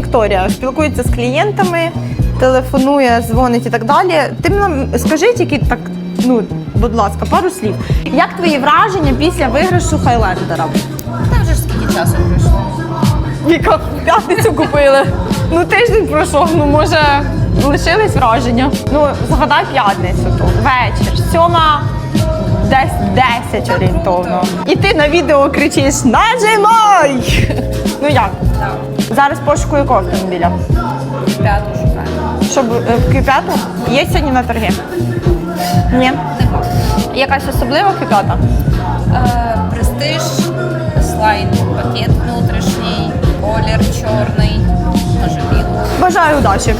Вікторія спілкується з клієнтами, телефонує, дзвонить і так далі. Ти нам скажи тільки так, ну, будь ласка, пару слів. Як твої враження після виграшу Хайлендера? Та вже ж скільки часу пройшло. Віка, в п'ятницю купили. Ну, тиждень пройшов, ну, може, лишились враження. Ну, згадай п'ятницю тут, вечір, 7, десь 10 орієнтовно. І ти на відео кричиш «Нажимай!» Ну як? Так. Зараз пошуку якого автомобіля? П'яту шукаю. Щоб в Q5 є сьогодні на торги? Ні. Нема. Якась особлива Q5? Престиж, слайд, пакет внутрішній, колір чорний, може білий. Бажаю удачі.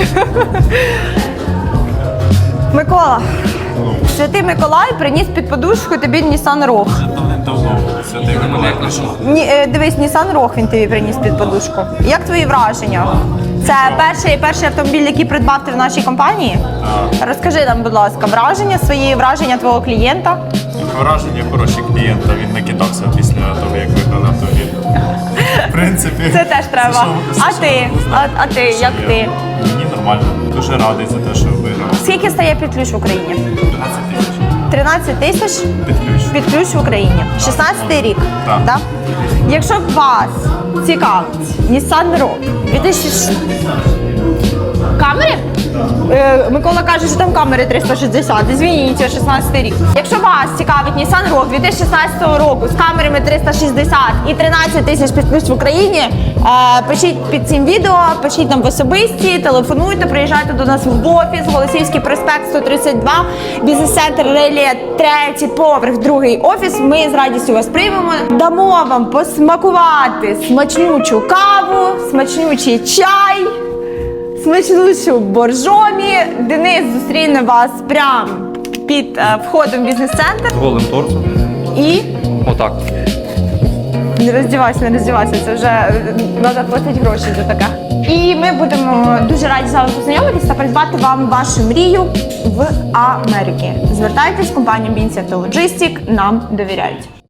Микола, Святий Миколай приніс під подушку тобі Nissan Rogue. Давно Святий Миколай прийшов. Дивись, Nissan Rogue він тобі приніс під подушку. Як твої враження? Це перший автомобіль, який придбав ти в нашій компанії? Так. Розкажи нам, будь ласка, враження твого клієнта. Враження хороші клієнта, він накидався після того, як виграли автомобіль. В принципі, Це теж треба. А ти, як ти? Мені нормально. Дуже радий за те, що виграв. Скільки стає під ключ в Україні? 13 тисяч 13 тисяч під ключ. під ключ в Україні. 16-й рік. Так. Да? Якщо б вас цікавить Nissan Rogue 2000... Камери? Микола каже, що там камери 360. Звініть, 16 рік. Якщо вас цікавить Nissan Rogue 2016 року з камерами 360 і 13 тисяч під ключ в Україні, пишіть під цим відео, пишіть нам в особисті, телефонуйте, приїжджайте до нас в офіс, Голосіївський проспект 132, бізнес-центр Релія, 3-й поверх, 2-й офіс. Ми з радістю вас приймемо. Дамо вам посмакувати смачнючу каву, смачнючий чай, смачнючу боржомі. Денис зустріне вас прямо під входом в бізнес-центр. Голим торсом. І Отак. не роздівайся, це вже треба платити гроші за таке. І ми будемо дуже раді з вами познайомитися та придбати вам вашу мрію в Америці. Звертайтесь, компанія Binsiat Logistic нам довіряють.